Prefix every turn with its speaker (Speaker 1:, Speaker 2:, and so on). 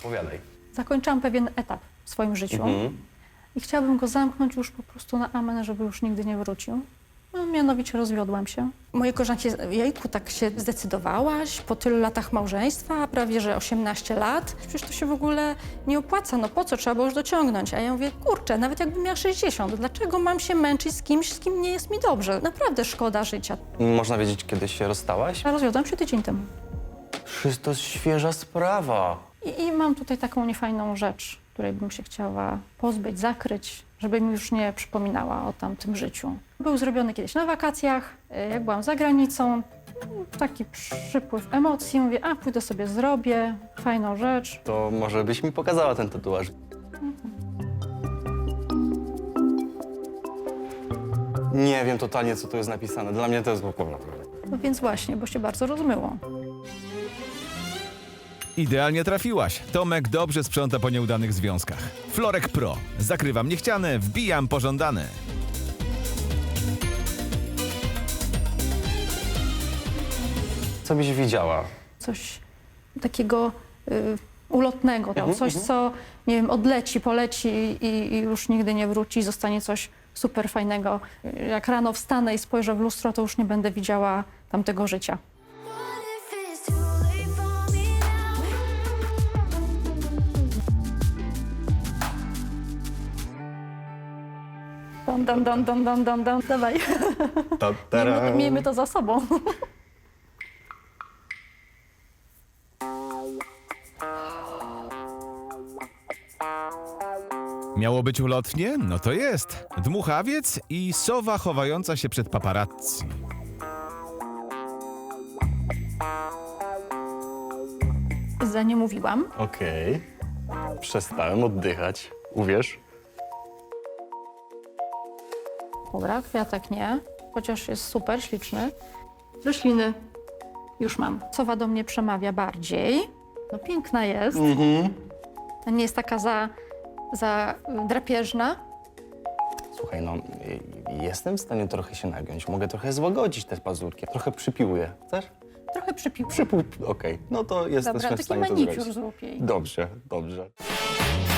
Speaker 1: Opowiadaj.
Speaker 2: Zakończyłam pewien etap w swoim życiu i chciałabym go zamknąć już po prostu na amen, żeby już nigdy nie wrócił. No, mianowicie rozwiodłam się. Moje koleżanki, jejku, tak się zdecydowałaś po tylu latach małżeństwa, prawie że 18 lat. Przecież to się w ogóle nie opłaca, no po co, trzeba było już dociągnąć. A ja mówię, kurczę, nawet jakbym miała 60, dlaczego mam się męczyć z kimś, z kim nie jest mi dobrze? Naprawdę szkoda życia.
Speaker 1: Można wiedzieć, kiedy się rozstałaś?
Speaker 2: A rozwiodłam się tydzień temu.
Speaker 1: Przecież to jest świeża sprawa.
Speaker 2: I mam tutaj taką niefajną rzecz, której bym się chciała pozbyć, zakryć, żeby mi już nie przypominała o tamtym życiu. Był zrobiony kiedyś na wakacjach, jak byłam za granicą, taki przypływ emocji, mówię, a pójdę sobie zrobię, fajną rzecz.
Speaker 1: To może byś mi pokazała ten tatuaż. Nie wiem totalnie, co tu jest napisane. Dla mnie to jest w ogóle...
Speaker 2: No więc właśnie, bo się bardzo rozmyło.
Speaker 3: Idealnie trafiłaś. Tomek dobrze sprząta po nieudanych związkach. Florek Pro. Zakrywam niechciane, wbijam pożądane.
Speaker 1: Co byś widziała?
Speaker 2: Coś takiego ulotnego, coś, co, nie wiem, odleci, poleci i już nigdy nie wróci, zostanie coś super fajnego. Jak rano wstanę i spojrzę w lustro, to już nie będę widziała tamtego życia. Dam. Dawaj. Miejmy to za sobą.
Speaker 3: Miało być ulotnie? No to jest. Dmuchawiec i sowa chowająca się przed paparazzi.
Speaker 2: Za nie mówiłam.
Speaker 1: Okej. Przestałem oddychać. Uwierz?
Speaker 2: Dobra, kwiatek nie, chociaż jest super, śliczny. Rośliny już mam. Sowa do mnie przemawia bardziej. No piękna jest. Nie jest taka za drapieżna.
Speaker 1: Słuchaj, no, jestem w stanie trochę się nagiąć. Mogę trochę złagodzić te pazurki. Trochę przypiłuję. Chcesz?
Speaker 2: Trochę przypił.
Speaker 1: Okej. No to jesteśmy
Speaker 2: Dobra,
Speaker 1: w
Speaker 2: taki
Speaker 1: stanie to
Speaker 2: manikur
Speaker 1: zrobić.
Speaker 2: zrób jej.
Speaker 1: Dobrze.